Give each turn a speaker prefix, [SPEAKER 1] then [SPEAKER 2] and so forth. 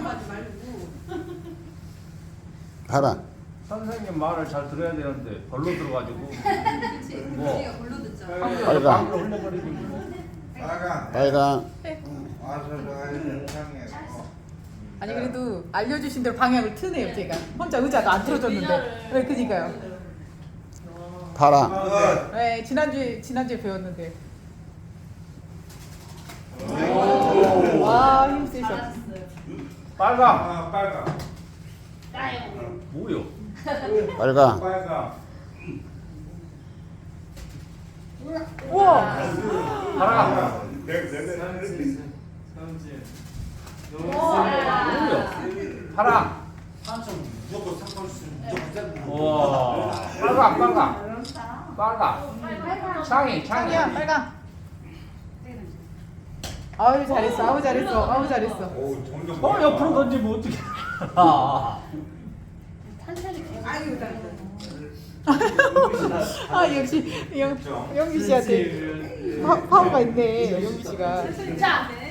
[SPEAKER 1] 하지 말고.
[SPEAKER 2] 파란.
[SPEAKER 3] 선생님 말을 잘 들어야 되는데 벌로 들어가지고
[SPEAKER 1] 그렇지.
[SPEAKER 3] 뭐.
[SPEAKER 1] 우리가 불러 듣잖아.
[SPEAKER 2] 빨강.
[SPEAKER 3] 방으로 흘려버리지 뭐.
[SPEAKER 4] 빨강.
[SPEAKER 2] 빨강.
[SPEAKER 4] 와서 저 세상에.
[SPEAKER 5] 아니 그래도 알려주신 대로 방향을 트네요 제가. 혼자 의자도 안 틀어줬는데. 네, 그니까요.
[SPEAKER 2] 파랑.
[SPEAKER 5] 네, 지난주에 배웠는데. 와, 힘 세셔.
[SPEAKER 3] 빨강.
[SPEAKER 4] 빨강.
[SPEAKER 3] 뭐요?
[SPEAKER 2] 빨강.
[SPEAKER 4] 빨강.
[SPEAKER 5] 우와.
[SPEAKER 3] 파랑. 뭐요? 파랑.
[SPEAKER 4] 무조건 상관없으면 무조건
[SPEAKER 3] 와. 빨강. 창이.
[SPEAKER 5] 창이야, 빨강. 아우 잘했어, 아우 잘했어.
[SPEAKER 4] 오, 점점.
[SPEAKER 3] 옆으로 던지면 어떡해. 아.
[SPEAKER 1] 아유,
[SPEAKER 5] 아 역시 영기 씨한테 파워가 있네, 영기 씨가.
[SPEAKER 1] 진짜.